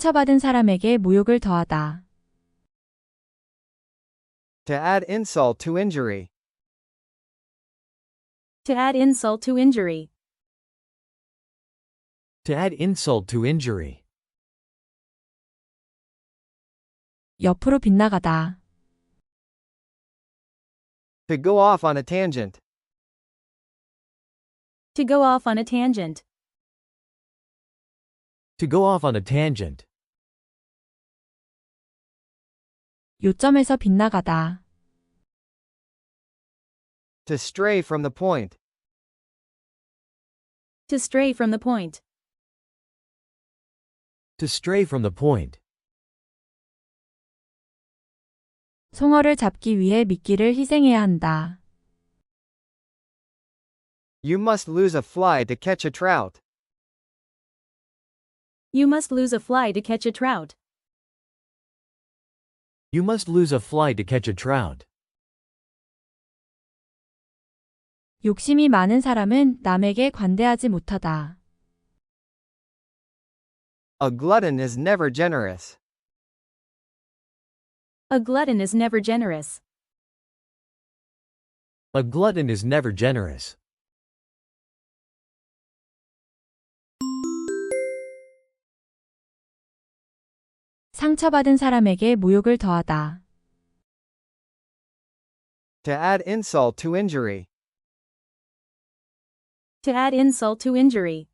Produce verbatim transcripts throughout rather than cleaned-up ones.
상처받은 사람에게 모욕을 더하다. To add insult to injury. To add insult to injury. To add insult to injury. 옆으로 빗나가다. To go off on a tangent. To go off on a tangent. To go off on a tangent. 요점에서 빗나가다. To stray from the point. To stray from the point. To stray from the point. 송어를 잡기 위해 미끼를 희생해야 한다. You must lose a fly to catch a trout. You must lose a fly to catch a trout. You must lose a fly to catch a trout. 욕심이 많은 사람은 남에게 관대하지 못하다. A glutton is never generous. A glutton is never generous. A glutton is never generous. 상처받은 사람에게 모욕을 더하다. To add insult to injury. To add insult to injury.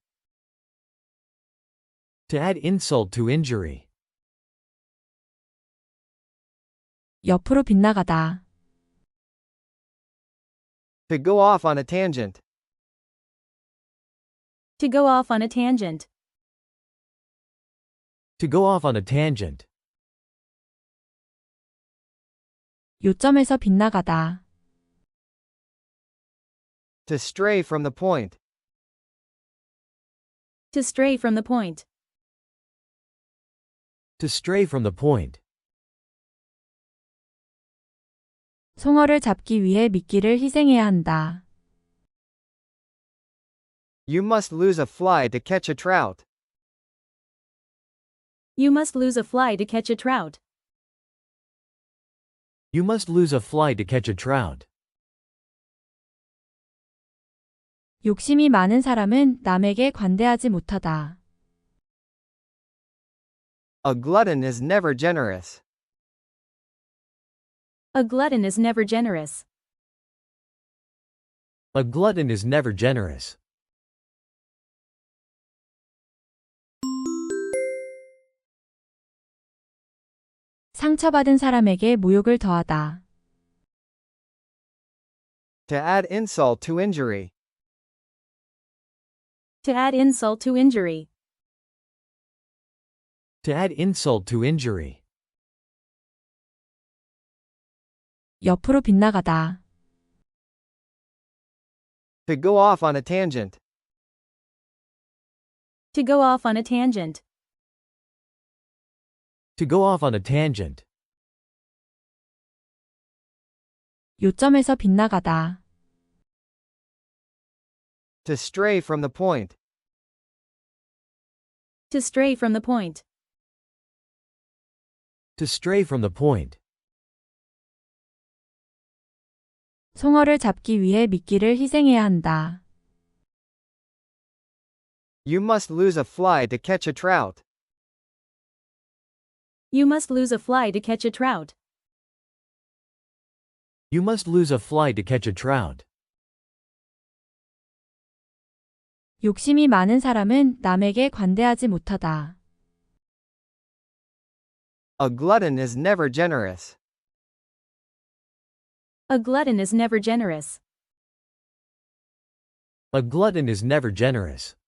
To add insult to injury. 옆으로 빗나가다. To go off on a tangent. To go off on a tangent. To go off on a tangent. 요점에서 빗나가다. To stray from the point. To stray from the point. To stray from the point. 송어를 잡기 위해 미끼를 희생해야 한다. You must lose a fly to catch a trout. You must lose a fly to catch a trout. You must lose a fly to catch a trout. 욕심이 많은 사람은 남에게 관대하지 못하다. A glutton is never generous. A glutton is never generous. A glutton is never generous. 상처받은 사람에게 모욕을 더하다. To add insult to injury. To add insult to injury. To add insult to injury. 옆으로 빗나가다. To go off on a tangent. To go off on a tangent. To go off on a tangent. 요점에서 빗나가다. To stray from the point. To stray from the point. To stray from the point. 송어를 잡기 위해 미끼를 희생해야 한다. You must lose a fly to catch a trout. You must lose a fly to catch a trout. You must lose a fly to catch a trout. 욕심이 많은 사람은 남에게 관대하지 못하다. A glutton is never generous. A glutton is never generous. A glutton is never generous.